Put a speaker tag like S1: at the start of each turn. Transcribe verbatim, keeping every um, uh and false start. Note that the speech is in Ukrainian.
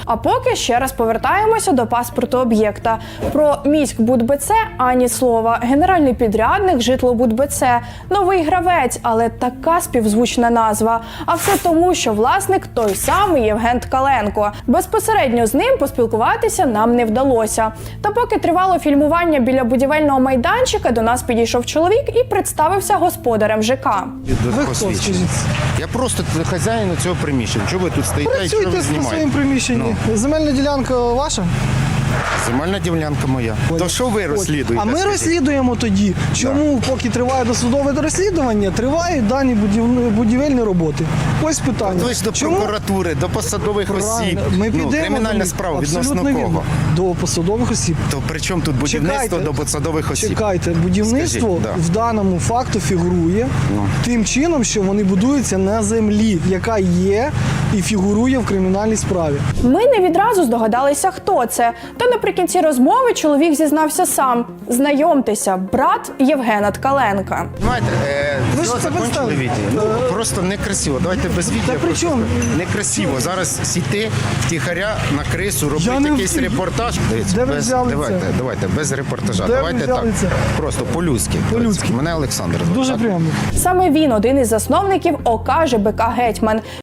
S1: А поки ще раз повертаємося до паспорту об'єкта. Про міськбудбц ані слова. Генеральний підрядник житлобудбц. Новий гравець, але така співзвучна назва. А все тому, що власник той самий Євген Ткаленко. Безпосередньо з ним поспілкуватися нам не вдалося. Та поки тривало фільмування біля будівельного майданчика, до нас підійшов чоловік і представився господарем ЖК.
S2: Ви хто, скажіть?
S3: Я просто хазяїн цього приміщення. Чого ви тут стоїте і що ви
S2: Працюйте на
S3: знімаєте?
S2: своєму приміщенні.
S3: Ну.
S2: Земельна ділянка ваша?
S3: Земельна ділянка моя. То що ви розслідуєте?
S2: А ми
S3: скажіть?
S2: розслідуємо тоді, чому поки триває досудове розслідування, тривають дані будів- будівельні роботи. Ось питання.
S3: Ви ж до
S2: Чому?
S3: прокуратури, до посадових осіб.
S2: Ми
S3: Ну,
S2: підемо
S3: кримінальна
S2: до них.
S3: справа відносно
S2: Абсолютно вірно.
S3: кого?
S2: До посадових осіб.
S3: То при чому тут будівництво
S2: Чекайте.
S3: до посадових осіб?
S2: Чекайте, будівництво
S3: Скажіть, да.
S2: в даному факту фігурує
S3: Ну.
S2: тим чином, що вони будуються на землі, яка є і фігурує в кримінальній справі.
S1: Ми не відразу здогадалися, хто це. Та наприкінці розмови чоловік зізнався сам. Знайомтеся, брат Євгена Ткаленка.
S3: Знаєте, е,
S2: Ви ж
S3: все
S2: це
S3: закончили
S2: представили.
S3: відео. Ну, просто некрасиво. Давайте без відео.
S2: Та при
S3: просто
S2: чому?
S3: Некрасиво. Зараз сіти втіхаря на крису, робити
S2: Я не
S3: якийсь
S2: втіх.
S3: репортаж. Дивіться,
S2: Де ви
S3: без,
S2: взяли
S3: давайте,
S2: це?
S3: давайте, без репортажа.
S2: Де ви
S3: давайте
S2: взяли
S3: так.
S2: це?
S3: Просто по-людськи.
S2: По-людськи.
S3: Мене Олександр звати.
S2: Дуже
S3: так?
S2: приємно.
S1: Саме він один із засновників ОК ЖБК «Гетьман».